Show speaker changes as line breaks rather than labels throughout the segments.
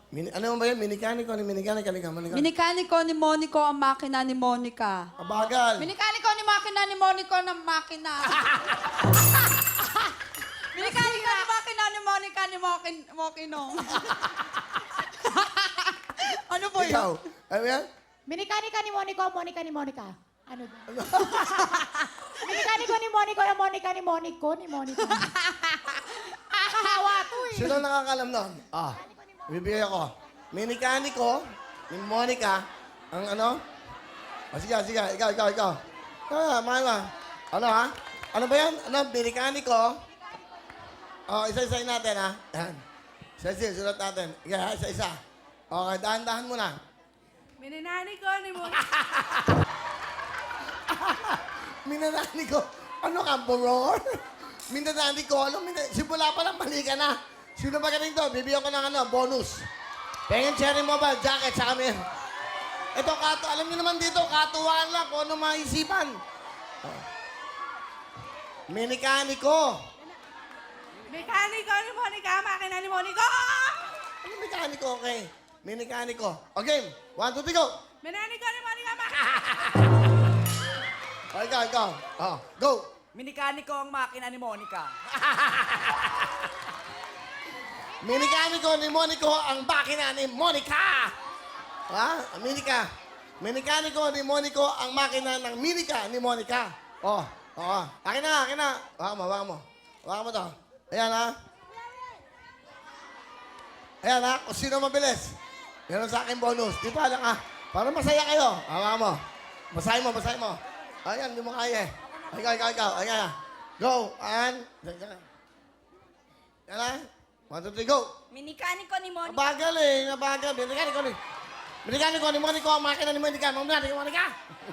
Ano ba yun? Minikaniko ni Minikaniko.
Minikaniko ni Monico ang makina ni Monica.
Kabagal.
Minikaniko ni makina ni Monico ng makina. Minikaniko ni makina ni Monica ni Mokino. Ano po yun?
Ikaw. Ano yan?
Minikanika ni Monico, Monica ni Monica. Ano ba? Minikaniko ni Monico, ang Monica ni Monico, ni Monica. Kahawa to eh.
Sino nakakalam nun? Bibigay ako. Minikaniko ni Monica. Ang ano? Sige. Ikaw. Mahal mo. Ano ha? Ano ba yan? Ano? Minikaniko. Isa-isayin natin ha. Yan. Isa-isa, sulat natin. Isa-isa. Okay, dahan-dahan muna.
Mininani ko ni Monica.
Minanani ko. Ano ka, boror? Minanani ko. Simula pa lang, mali ka na. Sino ba galing to? Bibigyan ko ng bonus. Pengen cherry mobile jacket sa amin. Ito, alam niyo naman dito, katuwaan lang kung ano maisipan. Minikaniko.
Mekaniko ni Monica, makina ni Monica.
Ano mekaniko, okay? Minikaniko. Okay, 1, 2, 3, go!
Minani ko ni Monica, makina.
Ikaw. Go!
Minikaniko ang makina ni Monica.
Minikaniko ni Monico ang makina ni Monica. Ha? Minikaniko ni Monico ang makina ng Minica ni Monica. Akin na. Hawakan mo to. Ayan ha. Kung sino mabilis. Meron sa akin bonus. Di pa lang ha. Para masaya kayo. Hawakan mo. Basahin mo. Ayan, hindi mo kaya eh. Ikaw. Ayan ha. Go. Yan ha. 1, 2, 3, go!
Minikaniko ni Monica.
Nabagal. Minikaniko ni Monico ang makina ni Monica. Mamaya ni Monica.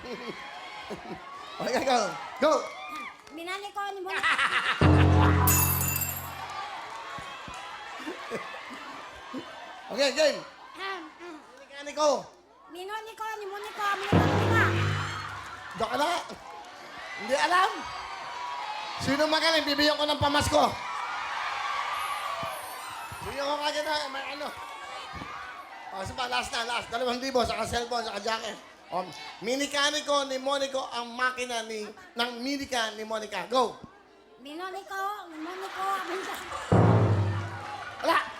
Okay, go!
Minani ko ni Monica.
Okay, game. Minikaniko.
Minani ko ni Monica, Monica.
Doon ka na. Hindi alam. Sino magaling? Bibigyan ko ng pamasko. Bibigyan ko kagad na, may ano. Sige, last. 2,000, saka cellphone, saka jacket. Minikaniko ni Monico ang makina ng Minica ni Monica. Go!
Minani ko ni Monica, Monica.
Wala!